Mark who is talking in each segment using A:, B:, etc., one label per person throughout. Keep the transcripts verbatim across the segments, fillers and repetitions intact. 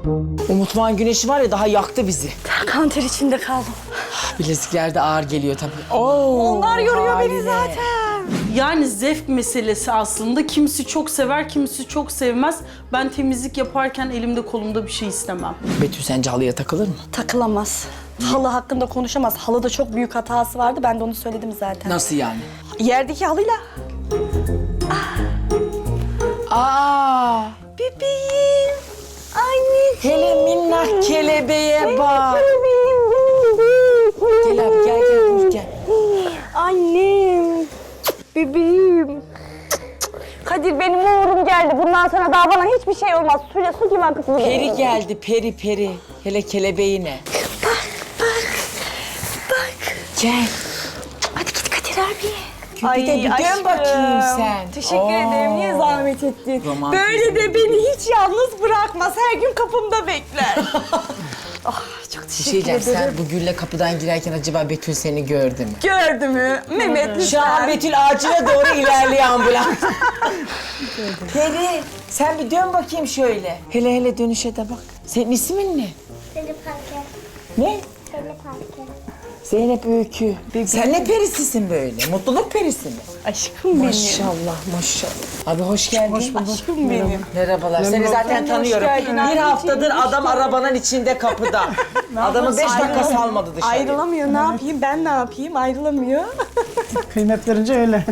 A: O mutfağın güneşi var ya daha yaktı bizi.
B: Kanter içinde kaldım.
A: Bilezikler de ağır geliyor tabii. Oo,
B: Onlar yoruyor
A: haliyle.
B: beni zaten.
C: Yani zevk meselesi aslında. Kimisi çok sever, kimisi çok sevmez. Ben temizlik yaparken elimde kolumda bir şey istemem.
A: Betül sence halıya takılır mı?
B: Takılamaz. Halı hakkında konuşamaz. Halıda çok büyük hatası vardı. Ben de onu söyledim zaten.
A: Nasıl yani?
B: Yerdeki halıyla.
A: Aa,
B: Bebeğim. Anne.
A: hele minnak kelebeğe bak.
B: Bebeğim.
A: Gel abi gel gel dur gel.
B: Annem. Bebeğim. Kadir benim uğurum geldi. Bundan sonra daha bana hiçbir şey olmaz. Suyla su gibi akıp gidiyor.
A: Peri geldi peri peri. Hele kelebeğine.
B: Bak bak. Bak.
A: Gel.
B: Hadi git Kadir abi.
A: Bir de bir dön bakayım sen.
B: Teşekkür
A: Oo.
B: ederim. Niye zahmet ettin?
A: Romantizm.
B: Böyle de beni hiç yalnız bırakmaz. Her gün kapımda bekler. Ah çok
A: Bir
B: teşekkür
A: şey diyeceğim,
B: ederim.
A: sen bu gülle kapıdan girerken acaba Betül seni gördü mü?
B: Gördü mü? Mehmet lütfen.
A: Şu an Betül ağacına doğru ilerliyor ambulans. Peri, sen bir dön bakayım şöyle. Hele hele dönüşe de bak. Senin ismin ne?
D: Zeynep Parker.
A: Ne?
D: Zeynep Parker.
A: Zeynep Öykü. Sen ne perisisin böyle? Mutluluk perisi mi?
B: Aşkım benim.
A: Maşallah, maşallah. Abi hoş geldin. Hoş
B: Aşkım benim.
A: Merhabalar. Seni zaten
B: Hoş
A: tanıyorum.
B: geldin
A: Bir
B: anneciğim,
A: haftadır
B: hoş
A: adam
B: geldin.
A: arabanın içinde kapıda. Adamı beş dakika salmadı dışarı.
B: Ayrılamıyor. Ne yapayım? Ben ne yapayım? Ayrılamıyor.
E: Kıymet verince öyle.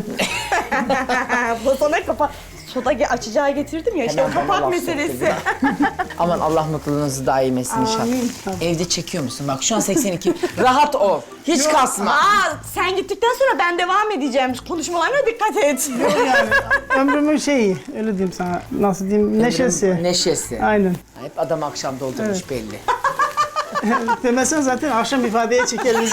B: Bu sana kapak. Soda ge- açacağı getirdim ya. İşte
A: Hemen
B: o
A: bana
B: kapak
A: laf
B: meselesi.
A: Aman Allah mutluluğunuzu daim etsin inşallah.
B: Amin.
A: Evde çekiyor musun? Bak şu an seksen iki. Rahat ol. Hiç kasma.
B: Aa, sen gittikten sonra ben devam edeceğim. Konuşmalarına dikkat et.
E: Yani ömrümün şeyi, öyle diyeyim sana. Nasıl diyeyim, neşesi.
A: Neşesi.
E: Aynen.
A: Hep adam akşam doldurmuş belli.
E: Demesen zaten akşam ifadeye çekeriz.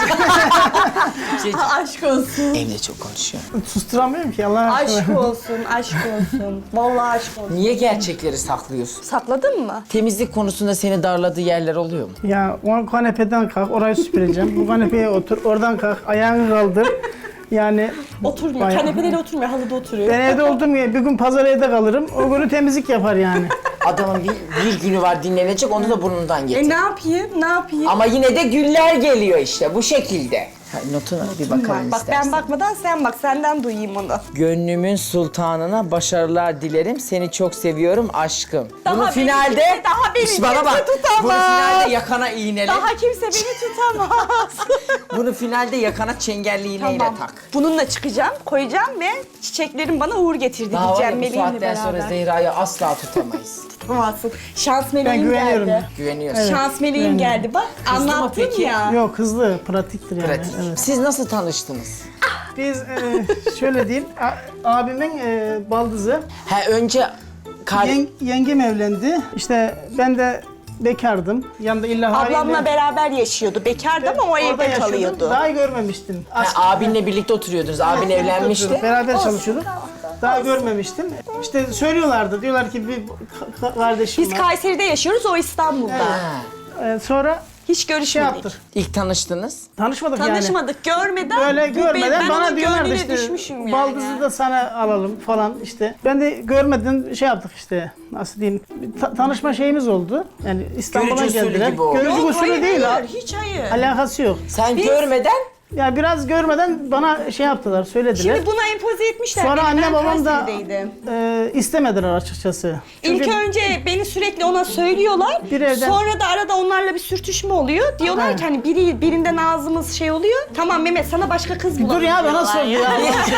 A: Şey,
B: Aşk olsun.
A: evde çok konuşuyor.
E: Susturamıyorum ki Allah aşkına.
B: Aşk olsun, aşk olsun. Vallahi aşk olsun.
A: Niye gerçekleri saklıyorsun?
B: Sakladın mı?
A: Temizlik konusunda seni darladığı yerler oluyor mu?
E: Ya o kanepeden kalk, orayı süpüreceğim. Bu kanepeye otur, oradan kalk, ayağını kaldır. Yani
B: Oturmuyor.
E: Bayağı.
B: Kanepede de oturmuyor, halıda oturuyor.
E: ben evde olduğum gibi bir gün pazar evde kalırım. O günü temizlik yapar yani.
A: Adamın bir, bir günü var dinlenecek, onu da burnundan
B: E
A: getir.
B: ne yapayım? Ne yapayım?
A: Ama yine de güller geliyor işte bu şekilde. Ha, notuna bir bakalım
B: Bak
A: istersen.
B: ben bakmadan sen bak. Senden duyayım onu.
A: Gönlümün sultanına başarılar dilerim. Seni çok seviyorum aşkım.
B: Daha
A: Bunu
B: beni
A: finalde
B: kimse- daha beni
A: Şş, bana
B: kimse
A: bak.
B: tutamaz.
A: Bunu finalde yakana iğnele.
B: Daha kimse beni tutamaz.
A: Bunu finalde yakana çengelli iğneyle
B: Tamam.
A: tak.
B: Bununla çıkacağım, koyacağım ve çiçeklerin bana uğur getirdi
A: Daha var
B: diyeceğim
A: ya, bu
B: meleğimle
A: saatten sonra
B: beraber.
A: Zehra'yı asla tutamayız.
B: Tutamazsın. Şans meleğim
E: güveniyorum
B: geldi.
A: Güveniyorsun.
B: Şans meleğim geldi bak.
A: Kızdı mı
B: Anlattım
A: peki?
B: ya.
E: Yok hızlı, pratiktir yani.
A: Pratik.
E: Evet.
A: Siz nasıl tanıştınız?
E: Biz e, şöyle diyeyim, a- abimin e, baldızı,
A: Ha önce kar...
E: yeng- yengem evlendi. İşte ben de bekardım. Yanında illa haliyle...
B: Ablamla beraber yaşıyordu. Bekardı ama o
E: Orada
B: evde
E: yaşıyordum.
B: kalıyordu.
E: Daha görmemiştim.
A: Ha,
E: Aşk-
A: abinle birlikte oturuyordunuz. Abin evlenmişti.
E: Beraber çalışıyorduk. Daha görmemiştim. İşte söylüyorlardı. Diyorlar ki bir ka- kardeşim
B: Biz
E: var.
B: Kayseri'de yaşıyoruz, o İstanbul'da.
A: Ha.
E: Ee, sonra
B: Hiç
E: şey
B: görüşmedik.
E: yaptık.
A: İlk tanıştınız.
E: Tanışmadık, yani.
B: Tanışmadık, görmeden.
E: Böyle
B: bu-
E: görmeden
B: ben
E: bana
B: onun
E: diyorlardı
B: gönlüne
E: işte
B: düşmüşüm yani.
E: baldızı da sana alalım falan işte. Ben de görmeden şey yaptık işte, nasıl diyeyim, bir ta- tanışma şeyimiz oldu. Yani İstanbul'a
A: Görücü usulü
E: geldiler.
A: gibi oldu.
E: Görücü
B: Yok,
E: usulü
B: hayır,
E: değil,
B: hayır,
E: ha.
B: hiç hayır.
E: Alakası yok.
A: Sen
B: Biz-
A: görmeden
E: Ya biraz görmeden bana şey yaptılar, söylediler.
B: Şimdi buna empoze etmişler.
E: Sonra
B: beni.
E: anne
B: Ben
E: babam da
B: Kayseri'deydim.
E: e, istemediler açıkçası.
B: İlk
E: Çünkü
B: önce beni sürekli ona söylüyorlar.
E: Bir evden-
B: Sonra da arada onlarla bir sürtüşme oluyor. Diyorlar
E: Ha.
B: ki hani biri birinden ağzımız şey oluyor. Tamam Mehmet sana başka kız bulalım.
E: dur ya, bana
B: diyorlar
E: sor ya.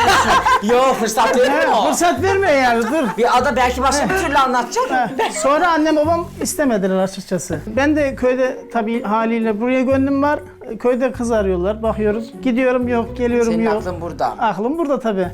A: Yo fırsat verir mi
E: Ha,
A: o?
E: fırsat verme yani, dur.
A: Bir ada belki başka bir türlü anlatacak.
E: Ha, Sonra annem babam istemediler açıkçası. Ben de köyde tabii haliyle buraya gönlüm var. Köyde kız arıyorlar, bakıyoruz. Gidiyorum yok, geliyorum
A: Senin
E: yok.
A: aklın burada.
E: Aklım burada tabii.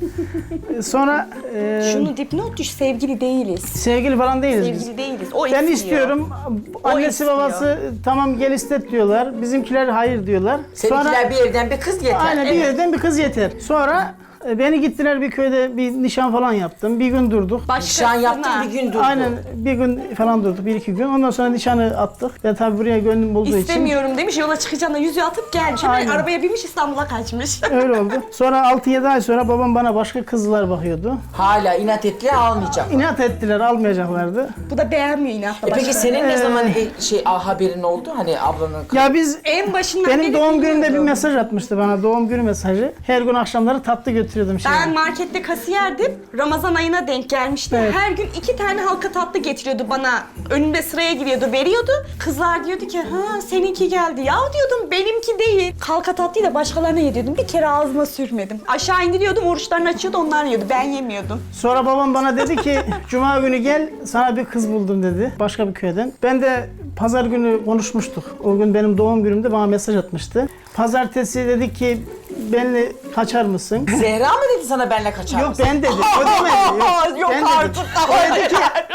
E: Sonra e,
B: Şunu dipnot düş, sevgili değiliz.
E: sevgili falan değiliz biz.
B: Sevgili değiliz. O
E: Ben
B: istiyor.
E: istiyorum. Annesi
B: istiyor.
E: babası tamam gel istet diyorlar. Bizimkiler hayır diyorlar.
A: Seninkiler bir evden bir kız yeter.
E: Aynen bir
B: Evet.
E: yerden bir kız yeter. Sonra E, Beni gittiler bir köyde bir nişan falan yaptım. Bir gün durduk.
A: Nişan yaptın bir gün durdu.
E: Aynen bir gün falan durduk, bir iki gün. Ondan sonra nişanı attık. Ben tabii buraya gönlüm bulduğu için
B: İstemiyorum demiş, yola çıkacağına yüzüğü atıp gelmiş. Hemen
E: Aynen.
B: arabaya binmiş, İstanbul'a kaçmış.
E: öyle oldu. Sonra altı yedi ay sonra babam bana başka kızlar bakıyordu.
A: Hala inat ettiler almayacak.
E: İnat ettiler, almayacaklardı.
B: Bu da beğenmiyor inatla
A: E peki
B: başka.
A: senin ne zaman e, şey ah, haberin oldu? Hani ablanın
E: Ya biz
B: En başından
E: benim
B: beri
E: doğum günümde bir
B: biliyordum.
E: mesaj atmıştı bana, doğum günü mesajı. Her gün akşamları tatlı götürüyordum şey.
B: Ben markette kasiyerdim. Ramazan ayına denk gelmişti.
E: Evet.
B: Her gün iki tane halka tatlı getiriyordu bana. Önümde sıraya giriyordu, veriyordu. Kızlar diyordu ki, ha seninki geldi. Ya diyordum, benimki değil. Halka tatlıyı da başkalarına yediriyordum. Bir kere ağzıma sürmedim. Aşağı indiriyordum, oruçlarını açıyordu, onlar yiyordu. Ben yemiyordum.
E: Sonra babam bana dedi ki cuma günü gel sana bir kız buldum dedi başka bir köyden. Ben de pazar günü konuşmuştuk. O gün benim doğum günümde bana mesaj atmıştı. Pazartesi dedi ki benimle kaçar mısın?
A: Zehra mı dedi sana benle kaçar
E: Yok
A: mısın?
E: ben dedi. O demedi. Yok,
B: Yok
E: ben
B: artık
E: dedim.
B: daha
E: O dedi ki,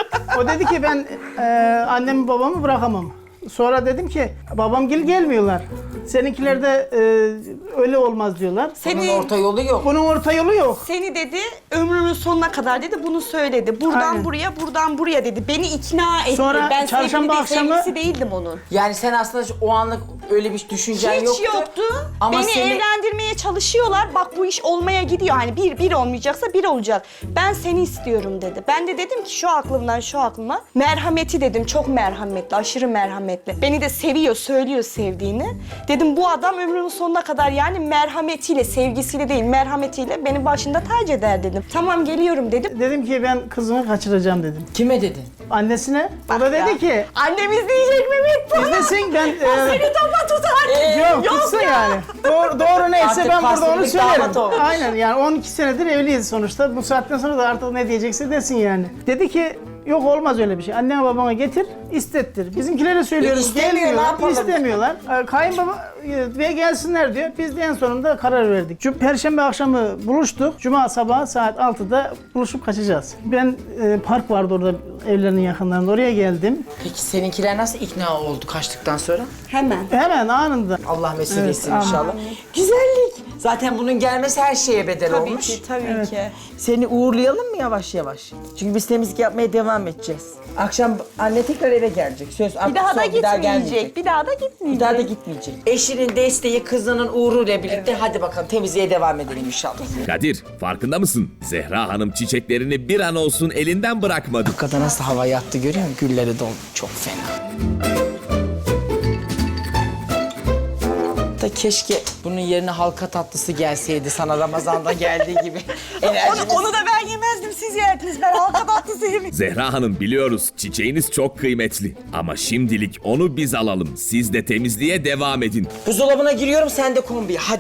E: o dedi ki ben e, annemi babamı bırakamam. Sonra dedim ki babamgil gelmiyorlar. Seninkiler de e, öyle olmaz diyorlar.
A: Bunun
B: Seni,
A: orta yolu yok.
E: Bunun orta yolu yok.
B: seni dedi, ömrümün sonuna kadar dedi, bunu söyledi. Buradan
E: Aynen.
B: buraya, buradan buraya dedi. Beni ikna etti.
E: Sonra
B: ben
E: çarşamba
B: sevgili değil,
E: akşamı-
B: sevgilisi değildim onun.
A: Yani sen aslında o anlık öyle bir düşüncen
B: Hiç
A: yoktu.
B: yoktu.
A: Ama
B: Beni
A: seni-
B: evlendirmeye çalışıyorlar. Bak bu iş olmaya gidiyor. Hani bir, bir olmayacaksa bir olacak. Ben seni istiyorum dedi. Ben de dedim ki şu aklımdan şu aklıma. Merhameti dedim. Çok merhametli, aşırı merhametli. Beni de seviyor, söylüyor sevdiğini. Dedim bu adam ömrünün sonuna kadar yani merhametiyle, sevgisiyle değil, merhametiyle beni başında tac eder dedim. Tamam geliyorum dedim.
E: Dedim ki ben kızımı kaçıracağım dedim.
A: Kime dedin?
E: Annesine. O da dedi
B: Ya,
E: ki
B: annemiz diyecek Mehmet bana.
E: izlesin ben...
B: O
E: e,
B: seni topa tutar.
E: Yok, tutsun yani. Doğru, doğru neyse
A: Artık
E: ben burada onu
A: pasiflik damat
E: söylerim.
A: olmuş.
E: Aynen yani on iki senedir evliyiz sonuçta. Bu saatten sonra da artık ne diyecekse desin yani. Dedi ki yok olmaz öyle bir şey. Annene babana getir, istettir. Bizimkilere söylüyoruz
A: E, istemiyor, ne
E: gelmiyorlar,
A: yapalım?
E: istemiyorlar. Ee, Kayınbaba e, ve gelsinler diyor. Biz de en sonunda karar verdik. Cum- Perşembe akşamı buluştuk. Cuma sabahı saat altıda buluşup kaçacağız. Ben e, park vardı orada evlerinin yakınlarında. Oraya geldim.
A: Peki seninkiler nasıl ikna oldu kaçtıktan sonra?
B: Hemen.
E: Hemen anında.
A: Allah mesut
E: Evet,
A: etsin
E: amin.
A: inşallah. Güzellik. Zaten bunun gelmesi her şeye bedel
B: Tabii
A: olmuş.
B: ki, tabii ki.
A: Seni uğurlayalım mı yavaş yavaş? Çünkü biz temizlik yapmaya devam edeceğiz. Akşam anne tekrar eve gelecek. Söz
B: Bir daha da
A: son, bir daha gelmeyecek.
B: gitmeyecek. Bir daha da gitmeyecek.
A: Bir daha da gitmeyecek. Eşinin desteği, kızının uğruyla birlikte hadi bakalım temizliğe devam edelim inşallah.
F: Kadir, farkında mısın? Zehra Hanım çiçeklerini bir an olsun elinden bırakmadı.
A: Kadın nasıl hava yattı görüyor musun? Gülleri doldu. Çok fena. Da keşke bunun yerine halka tatlısı gelseydi sana Ramazan'da geldiği gibi. Enerjimiz.
B: Onu, onu da ben yemezdim, siz yerdiniz. Ben halka tatlısı yemedim.
F: Zehra Hanım biliyoruz çiçeğiniz çok kıymetli. Ama şimdilik onu biz alalım. Siz de temizliğe devam edin.
A: Buzdolabına giriyorum sen de kombiye hadi.